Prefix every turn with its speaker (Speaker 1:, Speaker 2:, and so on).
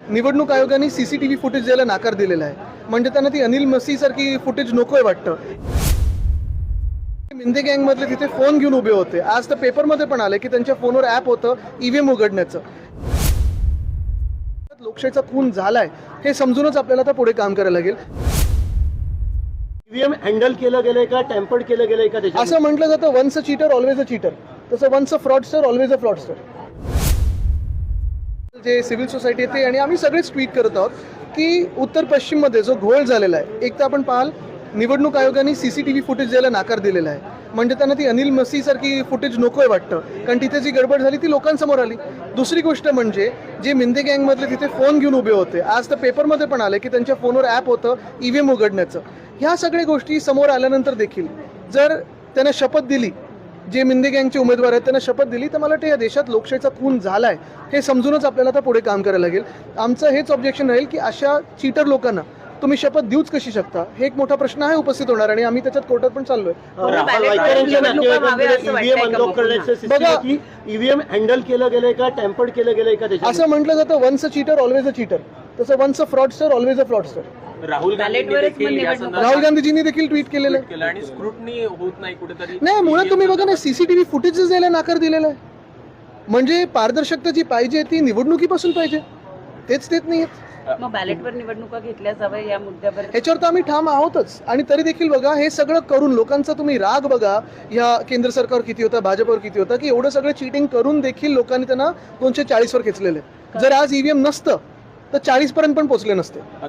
Speaker 1: निवडणूक आयोगाने CCTV footage द्यायला नाकार दिलेला आहे. म्हणजे त्यांना ती अनिल मसी सारखी फुटेज नकोय वाटतं. मिंदे गँगमधले तिथे फोन घेऊन उभे होते. आज तर पेपरमध्ये पण आले की त्यांच्या फोनवर ॲप होतं ईव्हीएम उघडण्याचं. लोकशाहीचा खून झालाय हे समजूनच आपल्याला आता पुढे काम करायला लागेल.
Speaker 2: ईव्हीएम हँडल केलं गेलंय का, टॅम्पर्ड केलं गेलंय का त्याच्यात?
Speaker 1: असं म्हटलं जातं once a cheater always a cheater, तसं once a fraudster always a fraudster. जे सिव्हिल सोसायटी येते आणि आम्ही सगळेच ट्विट करत आहोत की उत्तर पश्चिममध्ये जो घोळ झालेला आहे, एक तर आपण पाहाल निवडणूक आयोगाने सीसीटीव्ही फुटेज द्यायला नाकार दिलेला आहे. म्हणजे त्यांना ती अनिल मसी सारखी फुटेज नकोय वाटतं, कारण तिथे जी गडबड झाली ती लोकांसमोर आली. दुसरी गोष्ट म्हणजे जे मिंदे गँगमधले तिथे फोन घेऊन उभे होते. आज तर पेपरमध्ये पण आले की त्यांच्या फोनवर ॲप होतं ईव्हीएम उघडण्याचं. ह्या सगळ्या गोष्टी समोर आल्यानंतर देखील जर त्यांना शपथ दिली, जे मिंदे गँगचे उमेदवार आहेत त्यांना शपथ दिली, तर मला वाटतं या देशात लोकशाहीचा खून झालाय हे समजूनच आपल्याला आता पुढे काम करायला लागेल. आमचं हेच ऑब्जेक्शन राहील की अशा चीटर लोकांना तुम्ही शपथ देऊच कशी शकता, हे एक मोठा प्रश्न आहे उपस्थित होणार आणि आम्ही त्याच्यात कोर्टात पण चाललोय.
Speaker 2: ईव्हीएम हँडल केलं गेलंय का, टॅम्पर्ड केलं गेलंय का त्याच्यात?
Speaker 1: असं म्हटलं जातं once a cheater always a cheater, तसं once a fraudster always a fraudster.
Speaker 3: Rahul
Speaker 1: गांधीजींनी देखील ट्विट केलेलं आहे.
Speaker 3: आणि स्क्रुटनी होत नाही कुठेतरी.
Speaker 1: नाही, मुळात तुम्ही बघा ना, सीसीटीव्ही फुटेजेस द्यायला नाकार दिलेला आहे. म्हणजे पारदर्शकता जी पाहिजे ती निवडणुकीपासून पाहिजे, तेच देत नाहीयेत.
Speaker 4: मग बॅलेटवर निवडणुका घेतल्या जाव्या या मुद्द्यावर
Speaker 1: ह्याच्यावर तर आम्ही ठाम आहोतच. आणि तरी देखील बघा, हे सगळं करून लोकांचा तुम्ही राग बघा या केंद्र सरकारवर किती होता, भाजपवर किती होता, की एवढं सगळं चीटिंग करून देखील लोकांनी त्यांना 240 वर खेचलेलं आहे. जर आज ईव्हीएम नसतं तर 40 पर्यंत पण पोहोचले नसते.